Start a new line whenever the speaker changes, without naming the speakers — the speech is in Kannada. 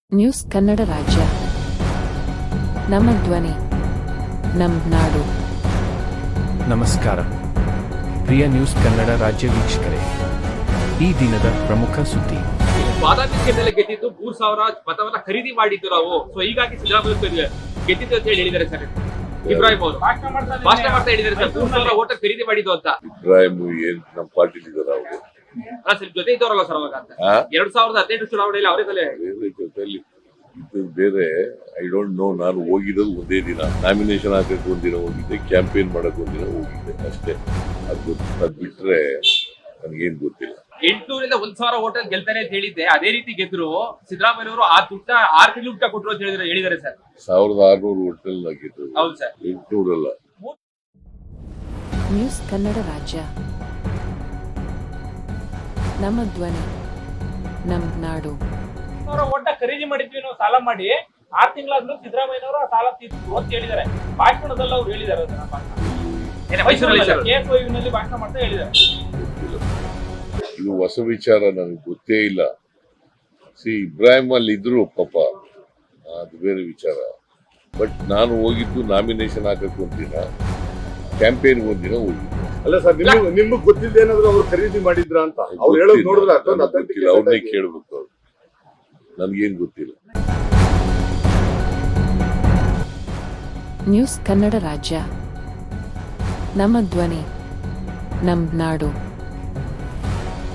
ನ್ಯೂಸ್ ಕನ್ನಡ ರಾಜ್ಯ ನಮ್ಮ ಧ್ವನಿ ನಮ್ಮ ನಾಡು.
ನಮಸ್ಕಾರ ಪ್ರಿಯ ನ್ಯೂಸ್ ಕನ್ನಡ ರಾಜ್ಯ ವೀಕ್ಷಕರೇ, ಈ ದಿನದ ಪ್ರಮುಖ ಸುದ್ದಿ.
ಬಾದಾಮಿ ಕ್ಷೇತ್ರದಲ್ಲಿ ಗೆದ್ದಿದ್ದು 3000 ಮತವನ್ನ ಖರೀದಿ ಮಾಡಿದ್ದು ನಾವು. ಸೊ ಹೀಗಾಗಿ ಸಿದ್ದರಾಮಯ್ಯ ಗೆದ್ದಿದ್ದು ಅಂತ ಹೇಳಿ ಹೇಳಿದ್ದಾರೆ ಸರ್. ಇಬ್ರಾಹಿಂ ಅವರು ಭಾಷಣ ಮಾಡ್ತಾ ಹೇಳಿದ್ದಾರೆ ಸರ್, 3000 ಓಟ ಖರೀದಿ ಮಾಡಿದ್ದು ಅಂತ.
ಇಬ್ರಾಹಿಂ ಏನ್ ನಮ್ಮ ಪಾರ್ಟಿ ಇದಾರೆ ಅವರು
ಅಲ್ಲ ಸರ್, ಜೊತೆ ಇದ್ದವರಲ್ಲ ಸರ್ ಅವಾಗ ಅಂತ. 2018 ಚುನಾವಣೆಯಲ್ಲಿ ಅವರೇ
ಜೊತೆಲಿ ಬೇರೆ. I don't know. ನಾನು ಹೋಗಿರೋದು ಒಂದೇ ದಿನ, ನಾಮಿನೇಷನ್ ಹಾಕಕ್ಕೆ ಒಂದಿನ ಹೋಗಿದ್ದೆ, ಕ್ಯಾಂಪೇನ್ ಮಾಡಕ್ ಒಂದಿನ ಹೋಗಿದ್ದೆ ಅಷ್ಟೇ. ಅದು ಬಿಟ್ರೆ ನನ್ಗೇನ್ ಗೊತ್ತಿಲ್ಲ.
800ರಿಂದ 1000 ಓಟ ಗೆಲ್ತಾರೆ ಅಂತ ಹೇಳಿದ್ದೆ, ಅದೇ ರೀತಿ ಗೆದ್ರು. ಸಿದ್ದರಾಮಯ್ಯ ಅವರು ಆ ದುಡ್ಡ 6 ತಿಂಗಳು ಊಟ ಕೊಟ್ಟರು ಅಂತ ಹೇಳಿದ್ದಾರೆ ಸರ್.
1600 ಹೋಟೆಲ್ ಗೆದ್ದು.
ಹೌದು ಸರ್,
800 ಅಲ್ಲ.
ನ್ಯೂಸ್ ಕನ್ನಡ ರಾಜ್ಯ ನಮ್ಮ ಧ್ವನಿ ನಮ್ಮ ನಾಡು.
ಓಟ ಖರೀದಿ ಮಾಡಿದ್ವಿ ನಾವು ಸಾಲ ಮಾಡಿ. 6 ತಿಂಗಳಾದ್ರೂ ಸಿದ್ದರಾಮಯ್ಯನವರು ಆ ಸಾಲ ತೀರ್ಸಿದ್ರು ಅಂತ ಹೇಳಿದ್ದಾರೆ. ಭಾಷಣದಲ್ಲಿ ಅವ್ರು ಹೇಳಿದ್ದಾರೆ, ನಲ್ಲಿ ಭಾಷಣ ಮಾಡ್ತಾ ಹೇಳಿದ್ದಾರೆ.
ಇದು ಹೊಸ ವಿಚಾರ, ನನಗೆ ಗೊತ್ತೇ ಇಲ್ಲ. ಇಬ್ರಾಹಿಂ ಅಲ್ಲಿ ಇದ್ರು ಪಾಪ, ಅದು ಬೇರೆ ವಿಚಾರ. ಬಟ್ ನಾನು ಹೋಗಿದ್ದು ನಾಮಿನೇಷನ್ ಹಾಕಕ್ಕೆ ಒಂದಿನ, ಕ್ಯಾಂಪೇನ್ ಒಂದಿನ ಹೋಗಿದ್ದು.
ಅಲ್ಲ ಸರ್, ನಿಮ್ಗೆ ಗೊತ್ತಿದ್ದ ಏನಾದ್ರು ಅವ್ರು ಖರೀದಿ ಮಾಡಿದ್ರ ಅಂತ ಅವ್ರು ಹೇಳೋದು ನೋಡಿದ್ರೆ
ಅವ್ರನ್ನೇ ಕೇಳ್ಬೇಕು. ಅವ್ರು ನನ್ಗೇನ್ ಗೊತ್ತಿಲ್ಲ.
ನ್ಯೂಸ್ ಕನ್ನಡ ರಾಜ್ಯ ನಮ್ಮ ಧ್ವನಿ ನಮ್ಮ ನಾಡು.